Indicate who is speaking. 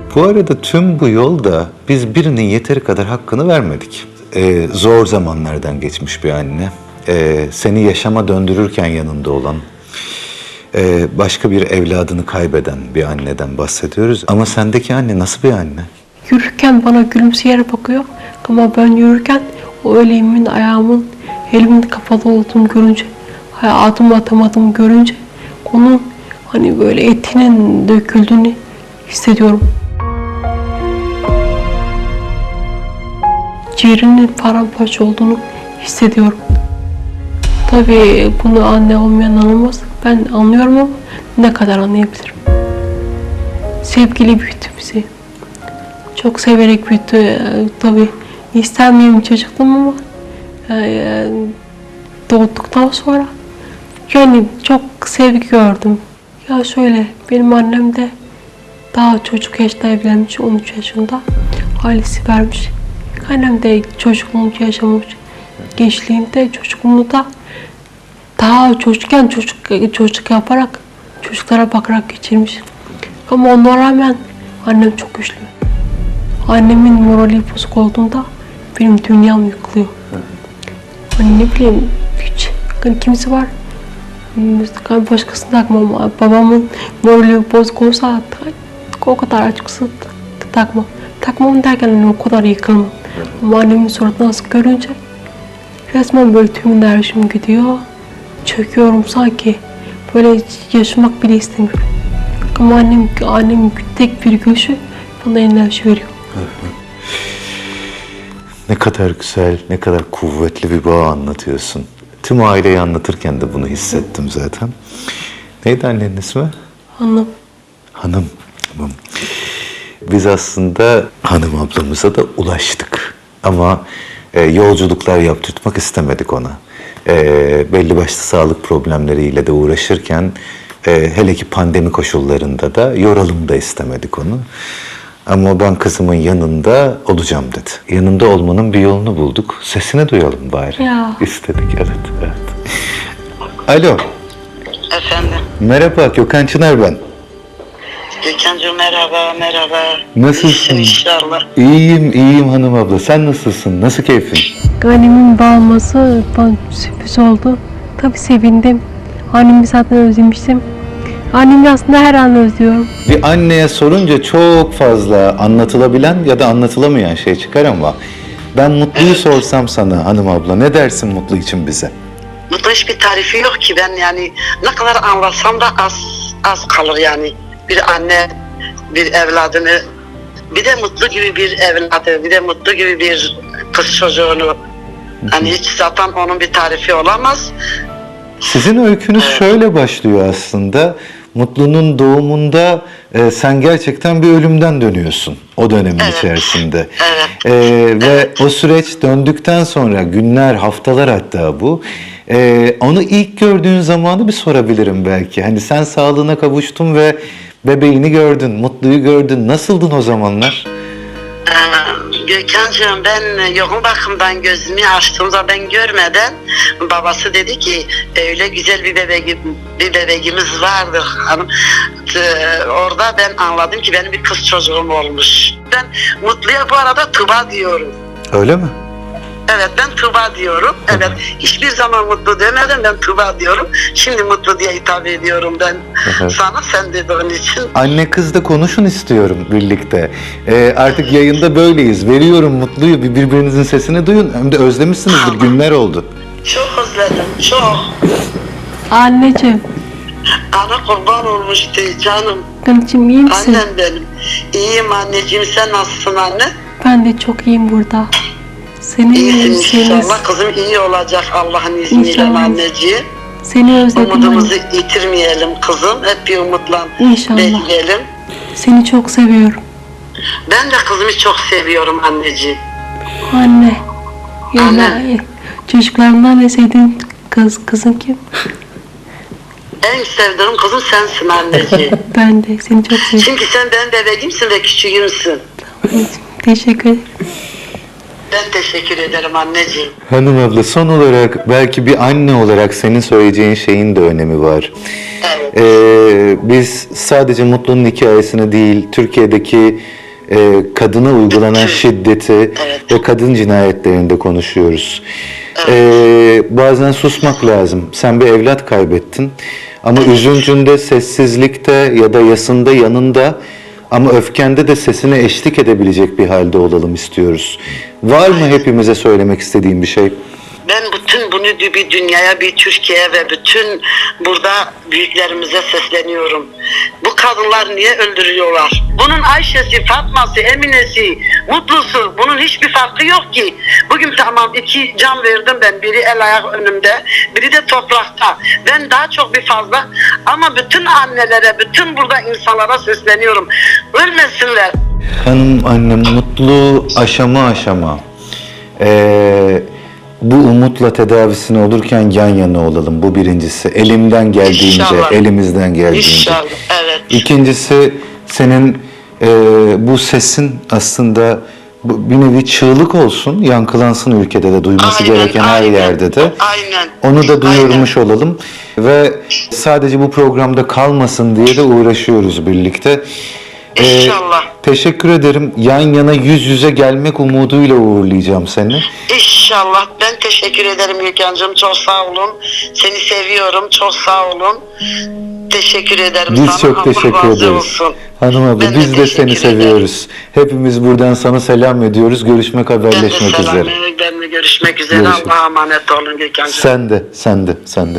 Speaker 1: Bu arada tüm bu yolda biz birinin yeteri kadar hakkını vermedik. Zor zamanlardan geçmiş bir anne. Seni yaşama döndürürken yanında olan, başka bir evladını kaybeden bir anneden bahsediyoruz. Ama sendeki anne nasıl bir anne?
Speaker 2: Yürürken bana gülümseyerek bakıyor. Ama ben yürürken o elimin, ayağımın, elimin kapalı olduğunu görünce, adım atamadığımı görünce onun hani böyle etinin döküldüğünü hissediyorum. Ciğerinin paramparça olduğunu hissediyorum. Tabii bunu anne olmayan anlamaz. Ben anlıyorum ama ne kadar anlayabilirim. Sevgili büyüttü bizi. Çok severek büyüttü. Tabii istenmeyen bir çocuktum ama doğduktan sonra yani çok sevgi gördüm. Ya şöyle, benim annem de daha çocuk yaşta evlenmiş, 13 yaşında. Ailesi vermiş. Annem de çocukluğunu yaşamış. Gençliğinde, çocukluğunda daha çocukken çocuk yaparak, çocuklara bakarak geçirmiş. Ama ona rağmen annem çok güçlü. Annemin morali bozuk olduğunda benim dünyam yıkılıyor. Hani ne bileyim, hiç hani kimisi var. Başkasını takmam. Babamın morali bozuk olsa o kadar açıkçası takmam. Takmam derken hani o kadar yıkılmam. Ama annemin suratını nasıl görünce resmen böyle tüm enerjim gidiyor. Çöküyorum sanki. Böyle yaşamak bile istemiyorum. Ama annem tek bir gülüşü bana enerji veriyor.
Speaker 1: Ne kadar güzel, ne kadar kuvvetli bir bağ anlatıyorsun. Tüm aileyi anlatırken de bunu hissettim zaten. Neydi annenin ismi?
Speaker 2: Hanım.
Speaker 1: Hanım. Tamam. Biz aslında hanım ablamıza da ulaştık. Ama yolculuklar yaptırtmak istemedik ona. Belli başlı sağlık problemleriyle de uğraşırken hele ki pandemi koşullarında da yoralım da istemedik onu. Ama ben kızımın yanında olacağım dedi. Yanında olmanın bir yolunu bulduk. Sesini duyalım bari.
Speaker 2: Ya.
Speaker 1: İstedik, evet. Alo.
Speaker 3: Efendim.
Speaker 1: Merhaba, Gökhan Çınar ben.
Speaker 3: Gökhan'cığım merhaba.
Speaker 1: Nasılsın?
Speaker 3: İnşallah.
Speaker 1: İyiyim hanım abla. Sen nasılsın? Nasıl keyfin?
Speaker 2: Annemin bağlaması bana sürpriz oldu. Tabii sevindim. Annemi zaten özlemiştim. Annemi aslında her an özlüyorum.
Speaker 1: Bir anneye sorunca çok fazla anlatılabilen ya da anlatılamayan şey çıkar ama ben Mutlu'yu sorsam sana hanım abla, ne dersin Mutlu için bize?
Speaker 3: Mutlu hiçbir tarifi yok ki, ben yani ne kadar anlatsam da az kalır yani. Bir anne bir evladını, bir de Mutlu gibi bir evladı, bir de Mutlu gibi bir kız çocuğunu, hani hiç zaten onun bir tarifi olamaz.
Speaker 1: Sizin öykünüz şöyle başlıyor aslında. Mutlu'nun doğumunda sen gerçekten bir ölümden dönüyorsun o dönemin içerisinde. Ve o süreç döndükten sonra günler, haftalar hatta bu. Onu ilk gördüğün zamanı bir sorabilirim belki. Hani sen sağlığına kavuştun ve bebeğini gördün, Mutlu'yu gördün. Nasıldın o zamanlar?
Speaker 3: Gökhan'cığım, ben yoğun bakımdan gözümü açtığımda ben görmeden babası dedi ki öyle güzel bir bebeğimiz vardı hanım. Orada ben anladım ki benim bir kız çocuğum olmuş. Ben Mutlu'ya bu arada Tuba diyorum.
Speaker 1: Öyle mi?
Speaker 3: Evet, ben Tuba diyorum. Evet, hiçbir zaman Mutlu demedim, ben Tuba diyorum. Şimdi Mutlu diye hitap ediyorum ben sana, sen dediğin için.
Speaker 1: Anne kız da konuşun istiyorum birlikte. Artık yayında böyleyiz. Veriyorum Mutlu'yu, birbirinizin sesini duyun. Hem de özlemişsinizdir, günler oldu.
Speaker 3: Çok özledim, çok.
Speaker 2: Anneciğim.
Speaker 3: Ana kurban olmuştu canım.
Speaker 2: Anneciğim iyi misin?
Speaker 3: Annem benim. İyiyim anneciğim, sen nasılsın anne?
Speaker 2: Ben de çok iyiyim burada.
Speaker 3: İyisin inşallah, kızım iyi olacak Allah'ın izniyle
Speaker 2: İnşallah.
Speaker 3: anneciğim.
Speaker 2: Seni özledim.
Speaker 3: Umudumuzu yitirmeyelim kızım, hep bir umutla
Speaker 2: İnşallah.
Speaker 3: bekleyelim.
Speaker 2: Seni çok seviyorum.
Speaker 3: Ben de kızımı çok seviyorum anneciğim.
Speaker 2: Anne.
Speaker 3: Anne.
Speaker 2: Çocuklarımdan en sevdiğin kızın kim?
Speaker 3: En sevdiğim kızım sensin anneciğim.
Speaker 2: Ben de seni çok seviyorum.
Speaker 3: Çünkü sen benim bebeğimsin ve küçüğümsün.
Speaker 2: Teşekkür ederim.
Speaker 3: Ben teşekkür ederim anneciğim.
Speaker 1: Hanım abla, son olarak belki bir anne olarak senin söyleyeceğin şeyin de önemi var.
Speaker 3: Evet.
Speaker 1: Biz sadece Mutlu'nun hikayesini değil, Türkiye'deki kadına uygulanan şiddeti
Speaker 3: Evet.
Speaker 1: ve kadın cinayetlerini de konuşuyoruz. Bazen susmak lazım. Sen bir evlat kaybettin ama üzüntünde, sessizlikte ya da yasında, yanında ama öfkende de sesine eşlik edebilecek bir halde olalım istiyoruz. Var mı hepimize söylemek istediğin bir şey?
Speaker 3: Ben bütün bunu bir dünyaya, bir Türkiye'ye ve bütün burada büyüklerimize sesleniyorum. Bu kadınlar niye öldürüyorlar? Bunun Ayşe'si, Fatma'sı, Emine'si, Mutlu'su, bunun hiçbir farkı yok ki. Bugün tamam 2 can verdim ben. Biri el ayak önümde, biri de toprakta. Ben daha çok bir fazla ama bütün annelere, bütün burada insanlara sesleniyorum. Ölmesinler.
Speaker 1: Hanım annem, Mutlu aşama aşama bu umutla tedavisine olurken yan yana olalım. Bu birincisi. Elimden geldiğince,
Speaker 3: İnşallah.
Speaker 1: elimizden geldiğince.
Speaker 3: İnşallah, evet.
Speaker 1: İkincisi, senin bu sesin aslında bir nevi çığlık olsun, yankılansın ülkede de, duyması
Speaker 3: Aynen,
Speaker 1: gereken her
Speaker 3: aynen.
Speaker 1: yerde de.
Speaker 3: Aynen.
Speaker 1: Onu da duyurmuş
Speaker 3: Aynen.
Speaker 1: olalım ve sadece bu programda kalmasın diye de uğraşıyoruz birlikte.
Speaker 3: İnşallah.
Speaker 1: Teşekkür ederim. Yan yana yüz yüze gelmek umuduyla uğurlayacağım seni.
Speaker 3: İnşallah. Ben teşekkür ederim Gökhan'cığım. Çok sağ olun. Seni seviyorum. Çok sağ olun. Teşekkür ederim sana.
Speaker 1: Biz çok
Speaker 3: Allah
Speaker 1: teşekkür
Speaker 3: razı
Speaker 1: ederiz.
Speaker 3: olsun.
Speaker 1: Hanım abla,
Speaker 3: Ben de
Speaker 1: biz de seni
Speaker 3: teşekkür ederim.
Speaker 1: seviyoruz. Hepimiz buradan sana selam ediyoruz. Görüşmek,
Speaker 3: Ben de
Speaker 1: haberleşmek
Speaker 3: selam.
Speaker 1: üzere.
Speaker 3: Ben de görüşmek üzere.
Speaker 1: Görüşürüz.
Speaker 3: Allah'a emanet olun Gökhan'cığım.
Speaker 1: Sen de.